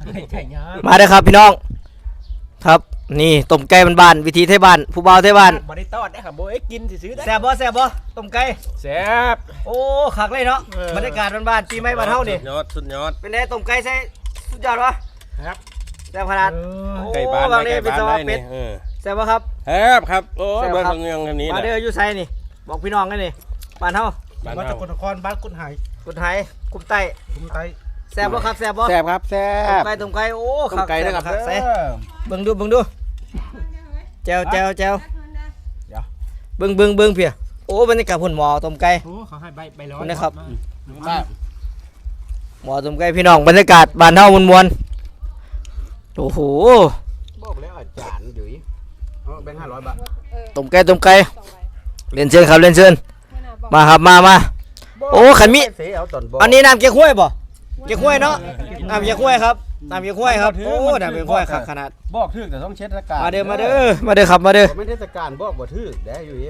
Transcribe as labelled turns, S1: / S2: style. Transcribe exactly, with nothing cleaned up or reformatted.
S1: ไข่ยา
S2: มาเด้อครับพี่น้องครับนี่ต้มไก่บ้านๆวิธีไทยบ้านผู้บ่าวไทยบ้าน
S1: บ่ได้ตอดได้ครับบ่เอ้กินซื้อได้
S2: แซ่บบ่แซ่บบ่ต้มไก่
S1: แซ่บ
S2: โอ้คักเลยเนาะบรรยากาศบ้านๆปีใหม่บ้านเฮานี่
S3: สุดยอดสุดยอด
S2: เป็นไงต้มไก่ใส่สุดยอดวะ
S1: ครับ
S2: แซ่บขนาด
S3: ไก่บ้าน
S2: บาง
S3: ไก่
S2: นี่เป็น
S3: บ้าน
S2: สวา
S3: ได้
S2: เป็
S3: นี่
S2: ด
S3: เออ
S2: แซ่บบ่ครับ
S3: แซ่บครับโอ้
S2: แซ่บ
S3: เบิ่ง
S2: ครับ
S3: เรื่องนี้
S2: มา
S3: นะ
S2: เด้ออยู่ไสนี่บอกพี่น้องกันนี่บ้านเฮา
S3: บ้าน
S1: มา
S3: เฮา
S1: จากกนครบ้านกุนหาย
S2: กุดไหกุมไต
S1: คุมไต
S2: แซ่บบ่ครับแซ่บบ่
S3: แซ่บครับแซ่
S2: ต้ม
S3: บ
S2: ไก่ต้มไก่โอ้
S3: ต้มไก่ด้วยครับ
S2: คักใส่เบิ่งดูเบิ่งดูแจวแจวแจวเบิ่งเบิ่งเบิ่งเพียโอ้บรรยากาศพุ่นหมอต้มไก่
S1: โอ้เขาให้ใบใบร้อน
S2: นะครับ
S3: แซ่บ
S2: หมอต้มไก่พี่น้องบรรยากาศบ้านเฮามวลๆโอ้โห
S3: บอกแล้วอาจารย์อยู่เอาแบงค์ห้าร้อยบาท
S2: ต้มไก่ต้มไก่เรียนเชิญครับเรียนเชิญมาครับมามาโอ้ขันมิ
S3: เสียเอาตอนบอก
S2: อันนี้น้ำเก๊กฮวยบ่เก๊กฮวยเนาะน้ำเก๊กฮวยครับน้ำเก๊กฮวยครับโอ้น้ำเก๊กฮวยครับขนาด
S3: บอกถึกแต่ต้องเช็ดอากาศ
S2: มาเด้อมาเด้อมาเด้อครับมาเด้อ
S3: ไม่เทศกาลบอกบ่ถึกได้อยู่อี